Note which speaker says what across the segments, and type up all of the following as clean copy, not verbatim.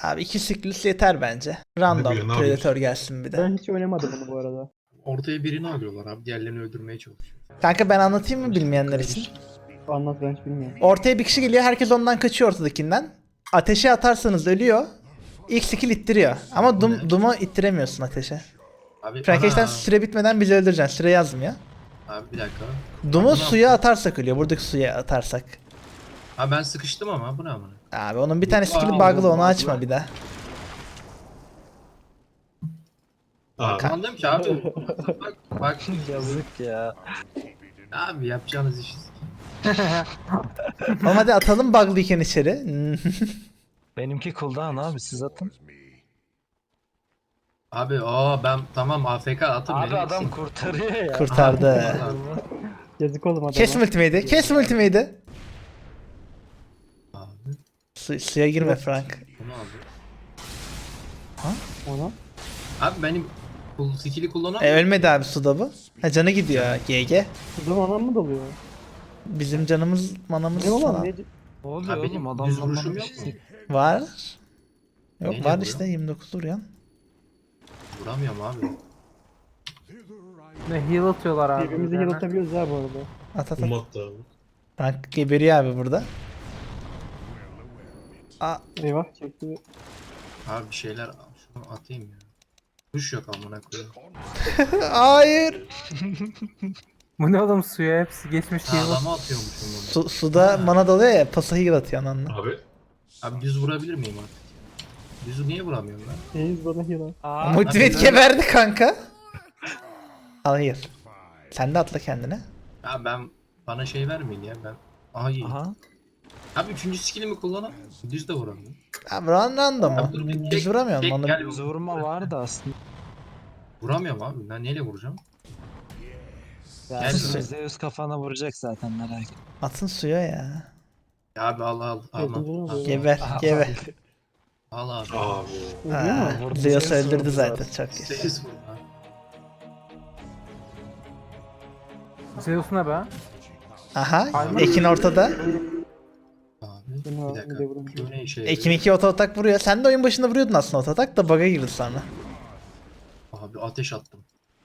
Speaker 1: Abi 2 siklus yeter bence.
Speaker 2: bu
Speaker 1: Random
Speaker 2: ya, ne
Speaker 1: Predator gelsin bir de.
Speaker 3: Ben hiç oynamadım bunu bu arada.
Speaker 2: Ortaya birini alıyorlar abi. Diğerlerini öldürmeye çalışıyor.
Speaker 1: Kanka ben anlatayım mı bilmeyenler için?
Speaker 3: Anlat, ben hiç bilmiyorum.
Speaker 1: Ortaya bir kişi geliyor, herkes ondan kaçıyor ortadakinden. Ateşe atarsanız ölüyor. İlk skill ittiriyor. Ama
Speaker 2: Bu ne?
Speaker 1: Doom'u ittiremiyorsun ateşe.
Speaker 2: Abi
Speaker 1: Frankenstein
Speaker 2: ana.
Speaker 1: süre bitmeden bizi öldüreceksin. Süre yazmıyor.
Speaker 2: Abi bir dakika.
Speaker 1: Doom'u
Speaker 2: Bu ne
Speaker 1: suya
Speaker 2: yaptı?
Speaker 1: atarsak ölüyor. Buradaki suya atarsak.
Speaker 2: Abi ben sıkıştım ama bu ne amına?
Speaker 1: Abi onun bir tane skill'i
Speaker 2: Aa,
Speaker 1: bug'lı, onu
Speaker 2: bug'lı.
Speaker 1: açma bir daha.
Speaker 2: Abi. Anladım ki abi. Bak
Speaker 4: Yazık ya.
Speaker 2: abi yapacağınız işi.
Speaker 1: Oğlum hadi atalım bug'lıyken içeri.
Speaker 4: Benimki cooldown abi, siz atın.
Speaker 2: Abi ben tamam AFK atın
Speaker 4: Abi
Speaker 2: beni.
Speaker 4: adam kurtarıyor ya.
Speaker 1: Kurtardı.
Speaker 3: Yazık oğlum adama.
Speaker 1: Kes ultimate'i. Kes ultimate'i.
Speaker 2: Abi
Speaker 1: Suya girme Frank.
Speaker 2: bunu aldı.
Speaker 3: Ona.
Speaker 2: Abi benim skill'i kullanamıyorum.
Speaker 1: Ölmedi abi suda bu. Ha canı gidiyor. GG.
Speaker 3: Kızım anam mı dalıyor?
Speaker 1: Bizim canımız manamız
Speaker 3: Ne olan
Speaker 1: falan.
Speaker 3: ne?
Speaker 4: Ne oluyor
Speaker 2: Abi benim
Speaker 4: oğlum,
Speaker 2: düz
Speaker 4: adam
Speaker 2: vuruşum
Speaker 4: bana bir
Speaker 2: yok mu?
Speaker 4: şey.
Speaker 1: Var. Yok
Speaker 2: Neyle
Speaker 1: var
Speaker 2: vuruyor?
Speaker 1: işte 29 vuruyor.
Speaker 2: Vuramıyorum abi.
Speaker 5: Ne heal atıyorlar abi.
Speaker 3: Birbirimizi heal atabiliyoruz ha bu arada.
Speaker 1: At at at.
Speaker 2: Umat abi.
Speaker 1: Frank geberiyor abi burada. Aa,
Speaker 3: Eyvah çekti.
Speaker 2: Abi bir şeyler şunu atayım ya. Kuş yok amına koyayım.
Speaker 1: hayır.
Speaker 5: Bu ne oğlum, suya hepsi geçmiş
Speaker 2: Ha,
Speaker 5: heal.
Speaker 2: adama atıyormuşum bunu.
Speaker 1: Suda mana dalıyor ya, pası heal atıyor ananla.
Speaker 2: Abi. Abi düz vurabilir miyim artık? Düzü niye vuramıyorum ben?
Speaker 3: Reis bana heal at.
Speaker 1: Motivate geberdi kanka. Hayır. Sen de atla kendine.
Speaker 2: Ya bana şey vermeyin ya ben. Ay.
Speaker 4: Aha.
Speaker 2: Abi 3. skillimi kullanam. Düz de vuramıyorum.
Speaker 1: Abi random
Speaker 2: Abi dur
Speaker 1: o.
Speaker 2: bir
Speaker 1: Düz vuramıyorum
Speaker 2: tek
Speaker 1: onu.
Speaker 2: gel.
Speaker 4: Düz vurma vardı aslında.
Speaker 2: Vuramıyorum abi. Ben neyle vuracağım?
Speaker 4: Ya
Speaker 2: Gel.
Speaker 4: şimdi Zeus kafana vuracak zaten, merak etme.
Speaker 1: Atın suya ya.
Speaker 2: Ya abi al
Speaker 3: Yardımcı
Speaker 2: al.
Speaker 3: oluyor.
Speaker 1: Geber geber.
Speaker 2: Al abi.
Speaker 3: Ölüyor mu?
Speaker 1: Ha,
Speaker 4: Vurdu,
Speaker 1: Zeus
Speaker 4: Zeus
Speaker 1: öldürdü
Speaker 4: vurdu
Speaker 1: zaten
Speaker 4: zaten.
Speaker 1: çok iyi.
Speaker 2: Ses vur abi.
Speaker 5: Zeus ne be?
Speaker 1: Aha
Speaker 5: Aynen.
Speaker 1: Ekin ortada.
Speaker 2: Abi
Speaker 3: Bunu
Speaker 2: bir
Speaker 3: al, bir
Speaker 2: dakika.
Speaker 3: de vurayım.
Speaker 2: Q ne işe
Speaker 1: Ekin
Speaker 2: yarıyor?
Speaker 1: 2 oto atak vuruyor. Sen de oyun başında vuruyordun aslında oto atak da bug'a girdi sonra.
Speaker 2: Abi ateş attım.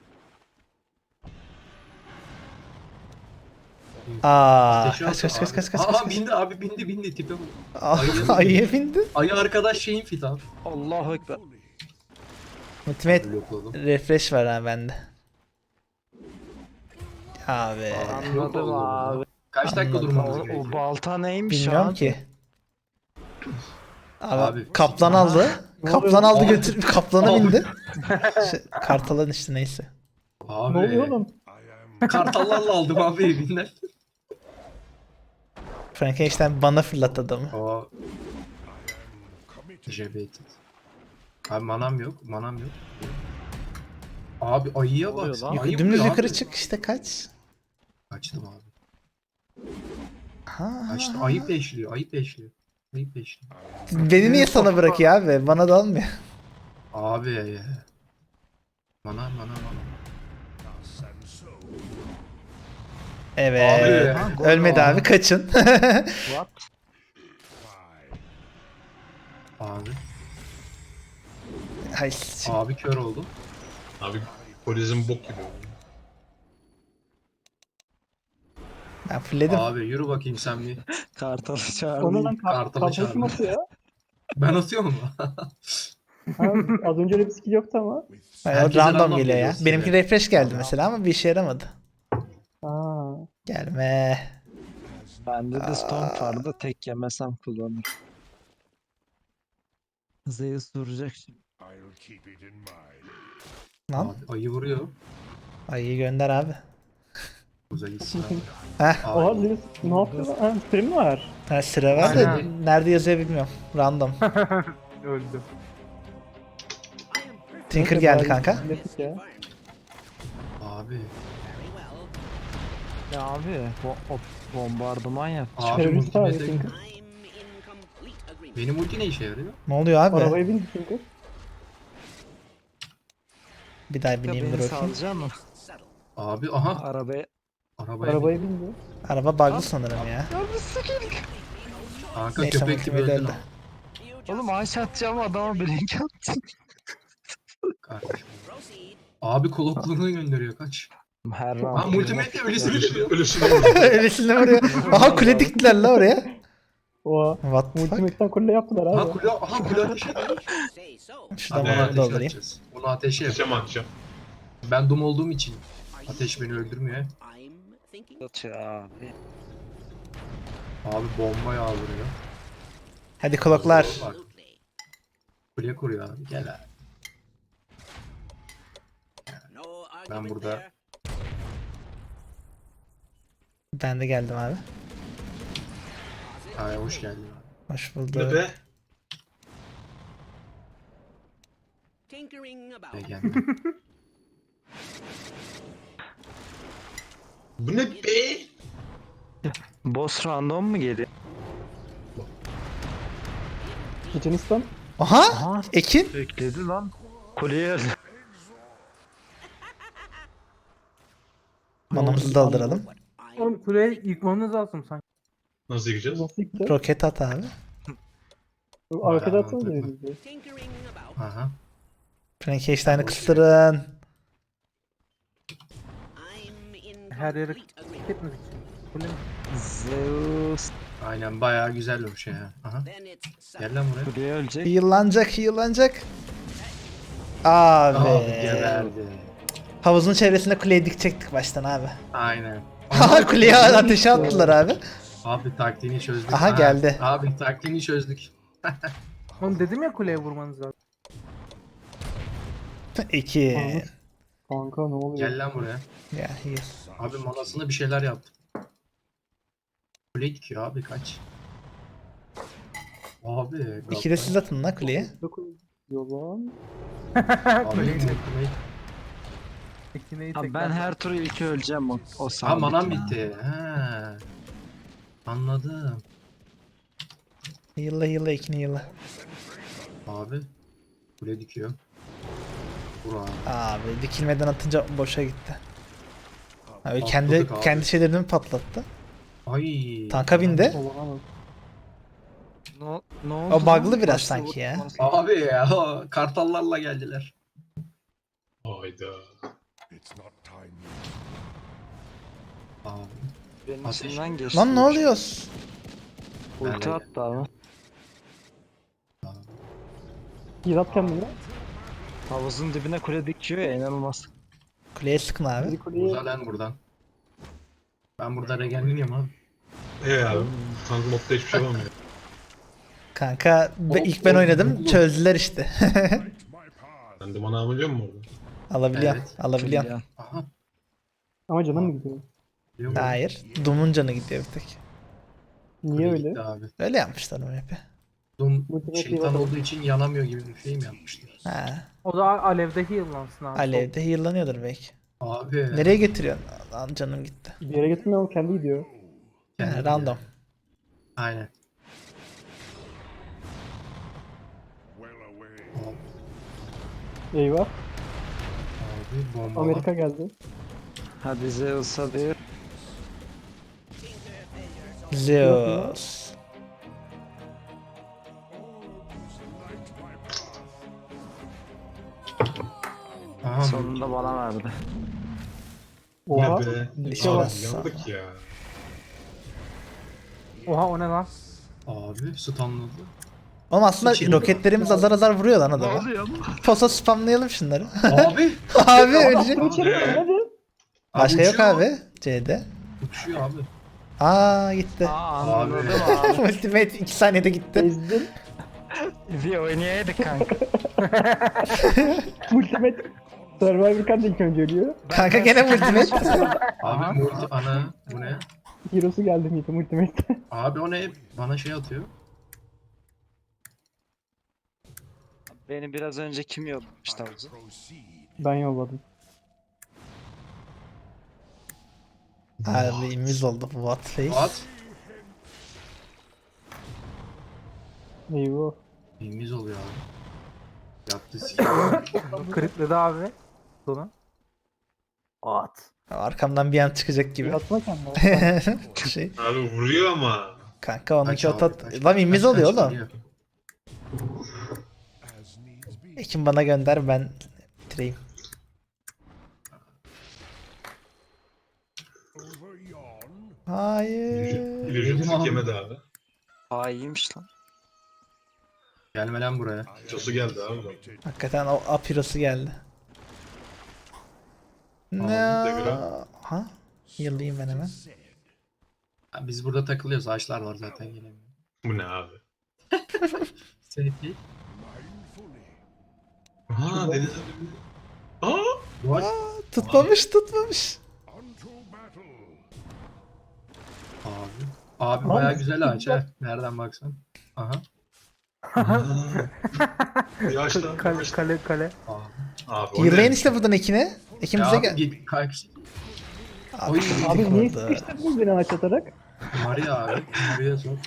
Speaker 1: Aa,
Speaker 2: Ateşi
Speaker 1: kaç
Speaker 2: attım
Speaker 1: kaç kaç
Speaker 2: abi.
Speaker 1: kaç kaç
Speaker 2: Aa
Speaker 1: kaç.
Speaker 2: bindi abi bindi tipe bak.
Speaker 1: Aa, ayıya bindi.
Speaker 2: Ayı arkadaş şeyin fit abi.
Speaker 4: Allahu ekber.
Speaker 1: Ultimate
Speaker 2: Blokladım.
Speaker 1: refresh var ha bende. Abi.
Speaker 2: Yok
Speaker 5: Anladım
Speaker 2: oldu
Speaker 5: abi.
Speaker 2: bu. Kaç dakika
Speaker 1: Anladım.
Speaker 2: durmamız
Speaker 4: O
Speaker 2: gerekiyor?
Speaker 4: balta neymiş
Speaker 1: Bilmiyorum
Speaker 4: abi?
Speaker 1: ki. Abi,
Speaker 2: Abi.
Speaker 1: kaplan aldı.
Speaker 3: Ne
Speaker 1: Kaplan
Speaker 3: oluyor?
Speaker 1: aldı
Speaker 2: Abi.
Speaker 1: götür kaplana
Speaker 2: Abi.
Speaker 1: bindi. Kartalan işte neyse.
Speaker 2: Abi.
Speaker 3: Ne oluyor oğlum?
Speaker 2: Kartallarla aldım abi evinden.
Speaker 1: Frankenstein bana fırlat adamı.
Speaker 2: Aa. Jebetit. Abi manam yok. Abi ayıya
Speaker 4: oluyor
Speaker 2: bak.
Speaker 4: lan?
Speaker 2: Ayı
Speaker 1: Dümdüz
Speaker 2: vuruyor
Speaker 1: yukarı
Speaker 2: abi.
Speaker 1: çık işte kaç.
Speaker 2: Kaçtım abi.
Speaker 1: Ha.
Speaker 2: Kaçtım. Ayı peşliyor.
Speaker 1: Beni niye sana bırakıyor abi? Bana dalmıyor.
Speaker 2: Abi. Mana.
Speaker 1: Evet.
Speaker 2: Abi.
Speaker 1: Ölmedi abi kaçın.
Speaker 4: What?
Speaker 2: Abi.
Speaker 1: Hay
Speaker 2: Abi kör oldu.
Speaker 6: Abi Horizon bok gibi.
Speaker 1: ben fulledim.
Speaker 2: Abi yürü bakayım sen bir.
Speaker 4: Kartalı
Speaker 3: Ona
Speaker 4: çağırdım.
Speaker 3: lan
Speaker 2: Kartalı
Speaker 3: kartalı kim
Speaker 2: çağırdı.
Speaker 3: atıyor ya?
Speaker 2: Ben atıyorum mu?
Speaker 3: Ha, az önce öyle bir skill yoktu ama.
Speaker 1: Yani
Speaker 2: Herkese
Speaker 1: random
Speaker 2: random
Speaker 1: geliyor ya.
Speaker 2: geliyor
Speaker 1: Benimki
Speaker 2: size.
Speaker 1: refresh geldi mesela ama bir işe yaramadı.
Speaker 3: Aa.
Speaker 1: Gelme.
Speaker 4: Bende de Storm vardı, tek yemesem kullanırım. Zeus vuracak şimdi.
Speaker 1: Lan.
Speaker 2: Abi ayı vuruyor.
Speaker 1: Ayıyı gönder abi.
Speaker 2: Uza gitsin abi.
Speaker 1: Heh.
Speaker 3: Oha
Speaker 2: Abi.
Speaker 3: Zeus ne yapıyor lan? Ha, süre mi var?
Speaker 1: Ha, sıra var da
Speaker 5: Aynen.
Speaker 1: nerede yazıyor bilmiyorum. Random.
Speaker 5: Öldü.
Speaker 1: Tinker geldi kanka.
Speaker 3: Klasik ya.
Speaker 2: Abi.
Speaker 4: Ya abi, o bombardıman yap.
Speaker 2: Abi
Speaker 3: Terörist abi
Speaker 2: ultimate.
Speaker 3: Tinker.
Speaker 2: Benim ulti ne işe yarıyor?
Speaker 1: Ne oluyor abi?
Speaker 3: Arabaya bindi Tinker.
Speaker 1: Bir daha
Speaker 4: Ya
Speaker 1: bineyim dur
Speaker 4: beni
Speaker 1: bakayım.
Speaker 4: salacak mı?
Speaker 2: Abi aha.
Speaker 4: Arabaya.
Speaker 2: Arabaya bin.
Speaker 3: Arabaya bindi.
Speaker 1: Araba bug'lı sanırım ya.
Speaker 2: Kanka
Speaker 1: Neyse
Speaker 2: köpek gibi
Speaker 1: multimedia
Speaker 2: öldün
Speaker 1: öldü.
Speaker 2: ama.
Speaker 4: Oğlum ağaç atacağım adama blink attım.
Speaker 2: Kardeşim. Abi kulakluğunu gönderiyor kaç.
Speaker 4: Her
Speaker 2: Ha
Speaker 4: round.
Speaker 2: multimate öylesini vuruyor.
Speaker 6: Ölüsünü vurdu.
Speaker 1: Öylesine vuruyor. Aha kule diktiler la oraya.
Speaker 3: Oha.
Speaker 1: What the fuck?
Speaker 3: Ultimate'den kule yaptılar
Speaker 2: Ha
Speaker 3: abi.
Speaker 2: kule, aha kule ateşe ediyor.
Speaker 1: Şuradan
Speaker 2: Abi
Speaker 6: Evet,
Speaker 1: bunu
Speaker 2: ateşe
Speaker 1: doldurayım.
Speaker 2: atacağız. Bunu ateşe yap.
Speaker 6: Atacağım atacağım.
Speaker 2: Ben dum olduğum için ateş beni öldürmüyor.
Speaker 4: Atıyor abi.
Speaker 2: Abi bomba yağdırıyor.
Speaker 1: Hadi kloklar.
Speaker 2: Bak. Kule kuruyor abi gel abi. Ben burada
Speaker 1: Ben de geldim abi.
Speaker 2: ay hoş geldin abi.
Speaker 1: Hoş
Speaker 6: Ne
Speaker 1: bulduk.
Speaker 6: be?
Speaker 2: Gel geldim.
Speaker 6: Bu ne be?
Speaker 4: Boss random mu geliyor?
Speaker 3: Çeçenistan.
Speaker 1: Aha! Ekin.
Speaker 4: Bekledi lan. Kuleye öldü.
Speaker 1: Manamızı dolduralım.
Speaker 5: Oğlum kuleye yıkmamız lazım sanki.
Speaker 6: Nasıl yiyeceğiz?
Speaker 3: Nasıl gitti?
Speaker 1: Roket at abi.
Speaker 3: Arkada atsana
Speaker 2: mantıklı.
Speaker 3: diyor bizi.
Speaker 2: Aha.
Speaker 1: Frankenstein'ı kıstırın.
Speaker 5: Her yere gitmedik. Kule mi?
Speaker 4: Zeus.
Speaker 2: Aynen bayağı güzel bir şey ya. Aha. Gel lan buraya.
Speaker 4: Kuleye ölecek.
Speaker 1: Yıllanacak, yıllanacak. Abi.
Speaker 2: Abi geberdi.
Speaker 1: Havuzun çevresinde kuleyi dikecektik baştan abi.
Speaker 2: Aynen.
Speaker 1: Aha kuleye ateşe attılar abi.
Speaker 2: Abi taktiğini çözdük.
Speaker 1: Aha,
Speaker 2: Ha,
Speaker 1: geldi.
Speaker 2: Abi taktiğini çözdük.
Speaker 5: Oğlum dedim ya kuleye vurmanız lazım.
Speaker 1: Ekin.
Speaker 3: Kanka ne oluyor?
Speaker 2: Gel lan buraya.
Speaker 1: Ya iyi.
Speaker 2: Abi manasında bir şeyler yaptım. Kule dikiyor abi kaç. Abi.
Speaker 1: İki de siz atın la kuleye.
Speaker 3: Yolan.
Speaker 2: Abi
Speaker 5: Kuleyi
Speaker 2: kule.
Speaker 5: Ekineyi
Speaker 4: Abi
Speaker 5: tekrar.
Speaker 4: ben her tur ilk öleceğim o
Speaker 2: Ha
Speaker 4: sandık.
Speaker 2: manam bitti. Ha. Anladım.
Speaker 1: Yılla yılla Ekin'i yılla.
Speaker 2: Abi. Kule dikiyor. Vur abi.
Speaker 1: Abi dikilmeden atınca boşa gitti. Abi
Speaker 2: Patladık
Speaker 1: kendi
Speaker 2: abi.
Speaker 1: kendi şeylerini mi patlattı?
Speaker 2: Ay.
Speaker 1: Tanka bindi.
Speaker 3: Olamaz.
Speaker 4: Ne oldu
Speaker 1: O bug'lı
Speaker 4: lan?
Speaker 1: biraz
Speaker 4: Başta
Speaker 1: sanki ya.
Speaker 4: vurdu.
Speaker 2: Abi ya o kartallarla geldiler.
Speaker 6: Hayda.
Speaker 2: Abi.
Speaker 4: Benim
Speaker 2: Ateş.
Speaker 4: içimden geçti.
Speaker 1: Lan ne oluyor?
Speaker 4: Ulti attı abi.
Speaker 3: Yırat kendini.
Speaker 4: Havuzun dibine kule dikiyor ya inanılmaz.
Speaker 1: Kuleye sıkın abi.
Speaker 3: Bizi kuleye.
Speaker 2: Uza lan buradan. Ben burada regenliyim abi.
Speaker 6: Abi. Tank modda hiçbir şey olmuyor.
Speaker 1: Kanka ilk ben oynadım çözdüler işte.
Speaker 6: Sen de bana alıyor musun orada?
Speaker 1: Alabiliyorum.
Speaker 2: Evet.
Speaker 1: Alabiliyorum.
Speaker 4: Ya.
Speaker 2: Aha.
Speaker 3: Ama canım mı gidiyor?
Speaker 2: Biliyor musun?
Speaker 1: Hayır. Doom'un canı gidiyor bir tek.
Speaker 3: Niye
Speaker 2: Kule
Speaker 3: öyle?
Speaker 2: gitti abi.
Speaker 1: Öyle yapmışlar o map'i.
Speaker 2: Doom
Speaker 3: Multimetre
Speaker 2: şeytan
Speaker 3: yapalım.
Speaker 2: olduğu için yanamıyor gibi bir şey mi yapmışlar?
Speaker 1: Ha.
Speaker 5: O da alevde heal'lansın abi.
Speaker 1: Alev'de heal'lanıyordur belki.
Speaker 2: Abi.
Speaker 1: Nereye getiriyorsun? Lan canım gitti.
Speaker 3: Bir yere getirmiyor ama kendi gidiyor.
Speaker 2: Kendi
Speaker 1: Ha, random.
Speaker 2: Aynen.
Speaker 3: Eyvah.
Speaker 2: Abi bomba.
Speaker 3: Amerika geldi.
Speaker 4: Hadi Zeus hadi.
Speaker 1: Zeus.
Speaker 2: Aha,
Speaker 4: Sonunda bana verdi.
Speaker 3: Oha.
Speaker 6: Ne be?
Speaker 1: Dişe
Speaker 6: Abi
Speaker 1: bassa.
Speaker 6: yandık ya.
Speaker 5: Oha o ne lan?
Speaker 2: Abi stunladı.
Speaker 1: Oğlum aslında
Speaker 2: İçin-
Speaker 1: roketlerimiz azar azar vuruyor lan
Speaker 4: Ne
Speaker 1: adamı.
Speaker 4: oluyor lan?
Speaker 1: Posa spamlayalım şunları.
Speaker 2: Abi.
Speaker 1: Abi ölecek.
Speaker 3: Bunu içeri al, hadi.
Speaker 1: Başka yok
Speaker 2: uçuyor.
Speaker 1: abi. C'de.
Speaker 2: Uçuyor abi.
Speaker 1: Aa gitti.
Speaker 4: Aa anladım abi.
Speaker 1: Ultimate 2 saniyede gitti.
Speaker 3: Ezdin.
Speaker 4: Bir oynayaydık kanka.
Speaker 3: Ultimate. Survivor kan da ilk önce ölüyor.
Speaker 1: Kanka gene ultimate.
Speaker 2: Abi multi ana bu ne?
Speaker 3: Hero'su geldi miydi Ultimate?
Speaker 2: Abi o ne? Bana şey atıyor.
Speaker 4: Beni biraz önce kim yollamıştı havuza?
Speaker 3: Ben yolladım.
Speaker 1: Abi imiz oldu bu what face.
Speaker 2: At.
Speaker 3: Eyvah.
Speaker 2: İmiz oluyor abi. Yaptı silah.
Speaker 5: Kritledi abi. Sonu. At.
Speaker 1: Arkamdan bir an çıkacak gibi.
Speaker 3: Yatma kendine.
Speaker 1: şey.
Speaker 6: Abi vuruyor ama.
Speaker 1: Kanka onunki
Speaker 2: Kaç abi,
Speaker 1: otat.
Speaker 2: kaç.
Speaker 1: Lan imiz
Speaker 2: Kaç,
Speaker 1: oluyor
Speaker 2: kaç
Speaker 1: oğlum.
Speaker 2: geliyor.
Speaker 1: Ekin bana gönder, ben bitireyim. Hayır.
Speaker 6: İllüzyon
Speaker 2: Yedim abi.
Speaker 6: tek yemedi abi.
Speaker 4: Aa iyiymiş lan.
Speaker 2: Gelme lan buraya.
Speaker 6: Cosu geldi abi.
Speaker 1: Hakikaten o Apiros'u geldi. Ne?
Speaker 6: Degra.
Speaker 1: Ha? Yıldayım ben hemen.
Speaker 2: Ha, biz burada takılıyoruz. Ağaçlar var zaten gelemiyor.
Speaker 6: Bu ne abi?
Speaker 2: Safety.
Speaker 6: Ha deniz abi. Aa!
Speaker 2: What?
Speaker 1: Tutmamış.
Speaker 2: Abi. Abi baya güzel ağaç ha. Nereden baksan. Aha.
Speaker 6: Yaşlı.
Speaker 5: Kale.
Speaker 2: Abi.
Speaker 6: Abi o
Speaker 1: Yırlayın
Speaker 6: ne?
Speaker 1: işte buradan Ekin'i. Ekin
Speaker 2: Ya
Speaker 1: bize
Speaker 2: abi
Speaker 1: gel.
Speaker 2: git kaç.
Speaker 1: Abi,
Speaker 3: Abi niye
Speaker 1: orada.
Speaker 3: sıkıştırdınız beni ağaç atarak?
Speaker 2: Maria abi. Maria sor.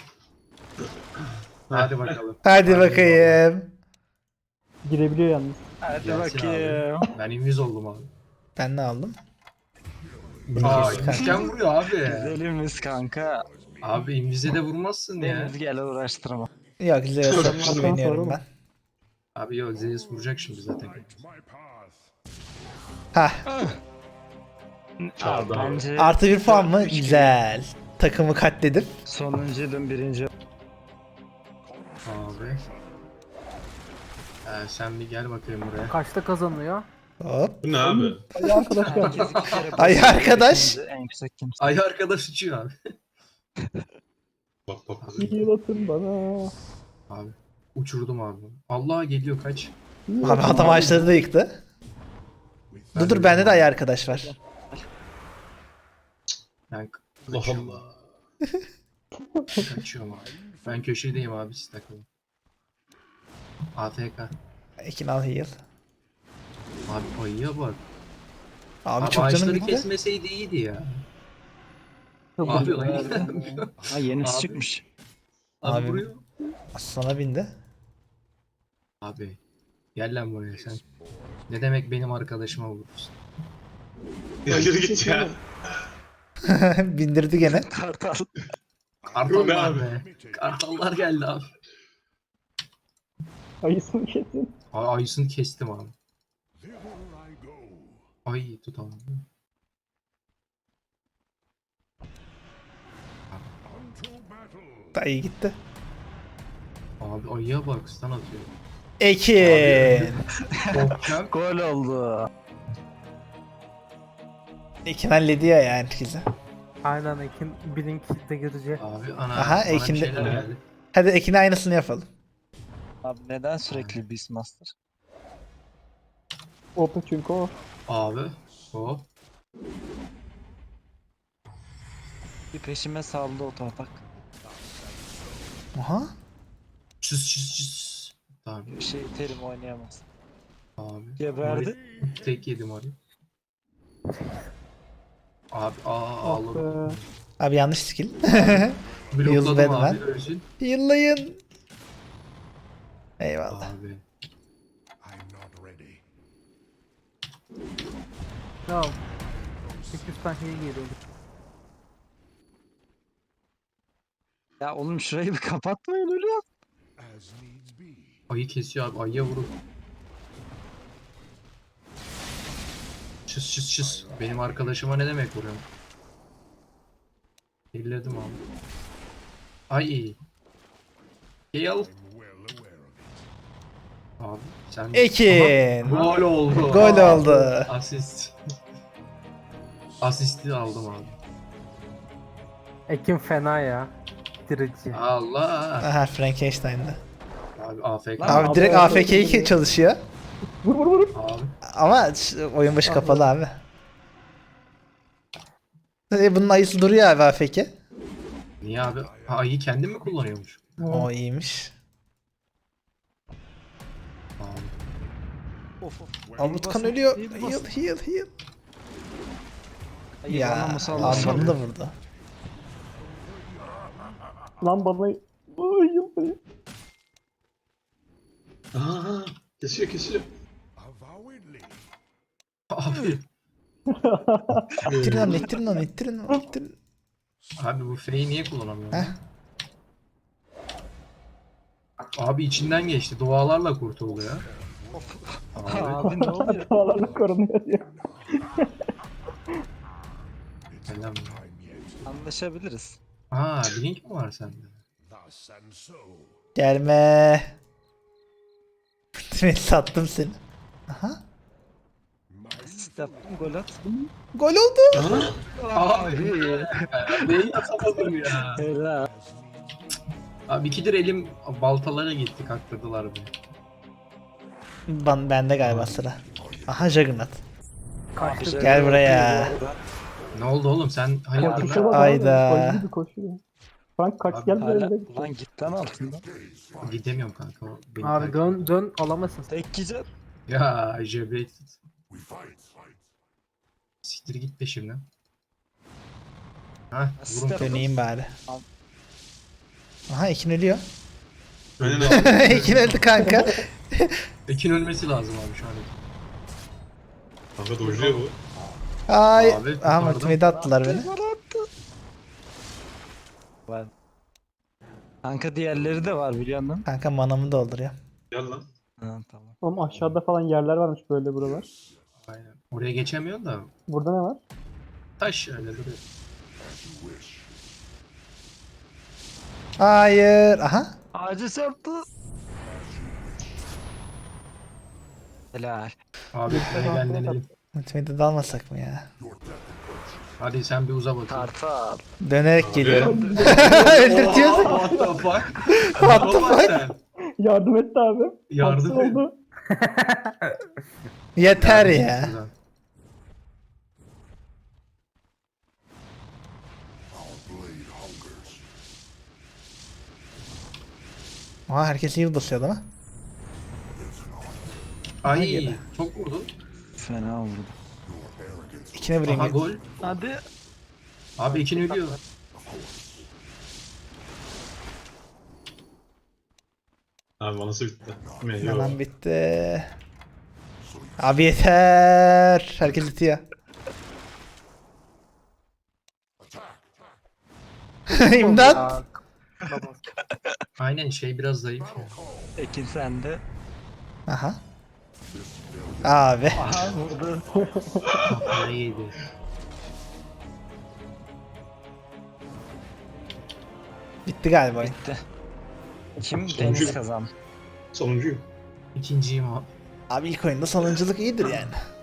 Speaker 2: Hadi bakalım.
Speaker 1: Hadi bakayım.
Speaker 3: Girebiliyor yalnız.
Speaker 4: Hadi
Speaker 2: Gelsin
Speaker 4: bakayım.
Speaker 2: Ben inviz oldum abi.
Speaker 1: Ben ne aldım?
Speaker 2: Aa
Speaker 1: Kanka.
Speaker 2: invisken vuruyor abi.
Speaker 4: Güzelimiz kanka.
Speaker 2: Abi invize de vurmazsın ya.
Speaker 4: Deniz gel uğraştırma.
Speaker 1: Yok Zeus'a güveniyorum
Speaker 3: sonra
Speaker 1: ben.
Speaker 2: Abi yok Zeus vuracak şimdi zaten.
Speaker 1: Hah.
Speaker 6: Çağırdı abi.
Speaker 4: Bence
Speaker 1: Artı bir puan mı? Güzel. Takımı katledip.
Speaker 4: sonuncuydum birinci.
Speaker 2: Abi. Sen bir gel bakayım buraya.
Speaker 5: Kaçta kazanıyor?
Speaker 1: Hop.
Speaker 6: Bu ne abi?
Speaker 3: Ay arkadaş geldi.
Speaker 4: Herkes iki kere
Speaker 1: Ay
Speaker 4: basıyor,
Speaker 1: arkadaş.
Speaker 4: ikinci En yüksek kimse.
Speaker 2: Ay arkadaş uçuyor abi.
Speaker 6: Bak.
Speaker 3: Heal atın bana.
Speaker 2: Abi. Uçurdum abi. Allah geliyor kaç.
Speaker 3: Heal
Speaker 1: Abi
Speaker 3: atın.
Speaker 1: adam ağaçları da yıktı.
Speaker 2: Ben
Speaker 1: Dur bende de ay arkadaş var.
Speaker 2: Ben
Speaker 6: Allah
Speaker 2: kaçıyorum.
Speaker 6: Allah.
Speaker 2: Kaçıyorum abi. Ben köşedeyim abi siz takılın. AFK.
Speaker 1: Ekin al heal.
Speaker 2: Abi ayıya bak.
Speaker 1: Abi,
Speaker 2: Abi
Speaker 1: çok canım
Speaker 2: ağaçları
Speaker 1: gitti.
Speaker 2: kesmeseydi iyiydi ya.
Speaker 3: Çok
Speaker 2: Abi
Speaker 3: iyi.
Speaker 2: ayı.
Speaker 4: Ha yenisi
Speaker 2: Abi.
Speaker 4: çıkmış.
Speaker 2: Abi
Speaker 1: Abi.
Speaker 2: vuruyor.
Speaker 1: Sana bindi.
Speaker 2: Abi. Gel lan buraya sen. Ne demek benim arkadaşıma vurursun?
Speaker 6: Ya yürü git ya.
Speaker 1: Bindirdi gene.
Speaker 4: Kartal.
Speaker 6: Bu ne
Speaker 2: Kartallar
Speaker 6: abi?
Speaker 2: be. Kartallar geldi abi.
Speaker 3: Ayısını kesin.
Speaker 2: Ayısını kestim abi. Ay tutamadım.
Speaker 1: Dayı gitti.
Speaker 2: Abi ayıya bak stun atıyor.
Speaker 1: Ekin.
Speaker 2: Korkacak.
Speaker 4: Gol oldu.
Speaker 1: Ekin hallediyor yani herkese.
Speaker 5: Aynen Ekin Blink de girecek.
Speaker 2: Abi ana.
Speaker 1: Aha,
Speaker 2: bana bir
Speaker 1: Ekin de-
Speaker 2: şeyler geldi.
Speaker 1: Hadi Ekin'e aynısını yapalım.
Speaker 4: Abi neden sürekli Beastmaster?
Speaker 3: Open çünkü o.
Speaker 2: Abi. Hop.
Speaker 4: Bir peşime saldı o torpak.
Speaker 1: Aha.
Speaker 2: Çüz. Tamam.
Speaker 4: Bir şey terim oynayamaz.
Speaker 2: Abi.
Speaker 4: Geberdi.
Speaker 2: Tek yedim abi. Abi
Speaker 3: Ah
Speaker 2: ağladım.
Speaker 3: be.
Speaker 1: Abi yanlış skill.
Speaker 2: Blokladım
Speaker 1: Yıldız
Speaker 2: abi
Speaker 1: ben.
Speaker 2: ölsün.
Speaker 1: Yıllayın. Eyvallah.
Speaker 2: Abi.
Speaker 5: Ya 800 tane heal geliyor.
Speaker 4: Ya oğlum şurayı bir kapatmayın öyle.
Speaker 2: Ayı kesiyor abi. Ayıya vurun. Çız. Benim arkadaşıma ne demek vuruyorum? Elledim abi. Ay. Gel. Abi sen...
Speaker 1: Ekin.
Speaker 2: Aha, gol oldu.
Speaker 1: Gol oldu.
Speaker 2: Asist. Asisti aldım abi.
Speaker 5: Ekin fena ya. Dirici.
Speaker 2: Allah.
Speaker 1: Aha Frankenstein'da.
Speaker 2: Abi AFK.
Speaker 4: Lan
Speaker 1: Abi direkt
Speaker 3: abi,
Speaker 1: AFK'yi çalışıyor.
Speaker 3: Vur.
Speaker 2: Abi.
Speaker 1: Ama oyun başı kapalı abi. Bunun ayısı duruyor abi AFK.
Speaker 2: Niye abi? Ha, ayı kendi mi kullanıyormuş?
Speaker 1: O iyiymiş.
Speaker 2: Abi.
Speaker 4: Of of.
Speaker 1: Abi Utkan ölüyor. Heal.
Speaker 4: Ayı
Speaker 1: Ya
Speaker 4: bana musallat
Speaker 1: Alman'ı
Speaker 4: oldu.
Speaker 1: da vurdu.
Speaker 3: Lan bana... Ay yıl.
Speaker 6: Aa, kesiyor.
Speaker 2: Abi.
Speaker 1: İttirin onu.
Speaker 2: Abi bu F'yi niye kullanamıyorum?
Speaker 1: Heh.
Speaker 2: Abi içinden geçti. Dualarla kurtuldu ya. Abi.
Speaker 4: Abi ne oluyor?
Speaker 3: Hatalarla korunuyor diyor.
Speaker 2: Selam.
Speaker 4: Anlaşabiliriz.
Speaker 2: Aa, Blink mi var sende?
Speaker 1: Gelme. Ultimate sattım seni. Aha.
Speaker 4: Asist yaptım gol at.
Speaker 1: Gol oldu.
Speaker 2: Abi. Neyi atamadım ya?
Speaker 4: Helal.
Speaker 2: Abi ikidir elim baltalara gitti, kaktırdılar beni.
Speaker 1: Bende galiba sıra. Aha Juggernaut.
Speaker 5: Kaçtı.
Speaker 1: Gel buraya.
Speaker 2: Ne oldu oğlum, sen hayırdır
Speaker 3: Koşuşa
Speaker 2: lan?
Speaker 3: bak
Speaker 1: Ayda.
Speaker 3: abi. Koşu gibi koşuyor. Frank kaç
Speaker 2: Abi
Speaker 3: geldi
Speaker 4: Hala,
Speaker 3: önünde.
Speaker 4: lan git lan altından.
Speaker 2: Gidemiyorum kanka. O beni
Speaker 5: Abi
Speaker 2: takip
Speaker 5: dön
Speaker 2: ediyor.
Speaker 5: dön alamazsın.
Speaker 4: Tek yiyeceğim.
Speaker 2: Ya JB. Siktir git peşimden. Hah, vurun.
Speaker 4: Asist
Speaker 1: Döneyim bari. Aha Ekin ölüyor.
Speaker 6: Önüne al.
Speaker 1: Ekin öldü kanka.
Speaker 2: Ekin ölmesi lazım abi şu an.
Speaker 6: Kanka dojluyor bu.
Speaker 1: Ay.
Speaker 2: Abi,
Speaker 1: Aha
Speaker 2: kurtardım.
Speaker 1: ultimate'e attılar beni.
Speaker 4: Var. Kanka diğerleri de var biliyor musun?
Speaker 1: Kanka manamı dolduruyor.
Speaker 6: Gel lan.
Speaker 4: Ha tamam.
Speaker 3: Oğlum aşağıda falan yerler varmış böyle buralar.
Speaker 2: Aynen. Oraya geçemiyorsun da
Speaker 3: Burada ne var?
Speaker 2: taş öyle duruyor.
Speaker 1: Hayır. Aha.
Speaker 4: Ağacı çarptı. Helal.
Speaker 2: Abi gel denelim.
Speaker 1: Ultimate'e dalmasak mı ya?
Speaker 2: Hadi sen bir uza bakayım.
Speaker 4: Kartal.
Speaker 1: Dönerek geliyorum. Öldürtüyorsun.
Speaker 2: What the fuck?
Speaker 1: What the
Speaker 2: Baba
Speaker 1: fuck?
Speaker 2: sen.
Speaker 3: Yardım etti abi.
Speaker 2: Yardım
Speaker 3: Haksız
Speaker 2: et.
Speaker 3: oldu.
Speaker 1: Yeter
Speaker 2: Yardım
Speaker 1: ya.
Speaker 2: et buradan.
Speaker 1: Aha herkes heal basıyor değil mi?
Speaker 2: Ay
Speaker 1: gene.
Speaker 2: çok vurdu.
Speaker 4: Fena vurdu.
Speaker 1: İkine vurayım.
Speaker 2: Aha
Speaker 1: ya.
Speaker 2: gol.
Speaker 4: Hadi.
Speaker 2: Abi ikin ölüyor.
Speaker 6: Abi manası bitti. Mi? Yok.
Speaker 1: Manam bitti. Abi yeter. Herkes itiyor. İmdat.
Speaker 5: Aa, babam.
Speaker 2: Aynen şey biraz zayıf ya.
Speaker 4: Ekin sende.
Speaker 1: Aha. Abi.
Speaker 4: Aha vurdu.
Speaker 2: Kafayı yedi.
Speaker 1: Bitti galiba oyun.
Speaker 4: Bitti. Kim?
Speaker 6: Sonuncu.
Speaker 4: Deniz kazan.
Speaker 6: Sonuncuyum.
Speaker 2: İkinciyim abi.
Speaker 1: Abi ilk oyunda sonunculuk iyidir yani.